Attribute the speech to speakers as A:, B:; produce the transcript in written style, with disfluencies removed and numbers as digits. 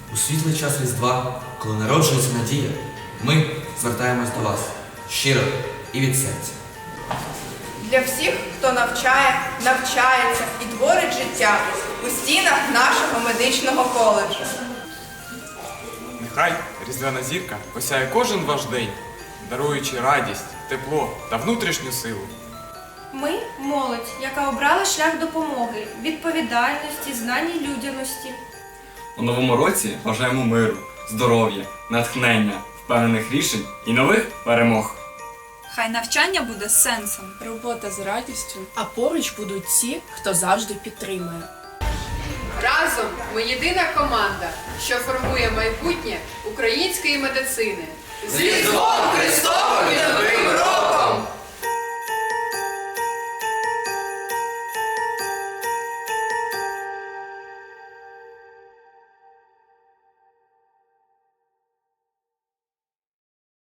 A: У світлий час Різдва, коли народжується надія, ми звертаємось до вас щиро і від серця.
B: Для всіх, хто навчає, навчається і творить життя у стінах нашого медичного коледжу.
C: Нехай різдвяна зірка осяє кожен ваш день, даруючи радість, тепло та внутрішню силу.
D: Ми – молодь, яка обрала шлях допомоги, відповідальності, знань і людяності.
E: У новому році бажаємо миру, здоров'я, натхнення, впевнених рішень і нових перемог.
F: Хай навчання буде з сенсом.
G: Робота з радістю, а поруч будуть ті, хто завжди підтримує.
H: Разом ми єдина команда, що формує майбутнє української медицини.
B: З Різдвом Христовим!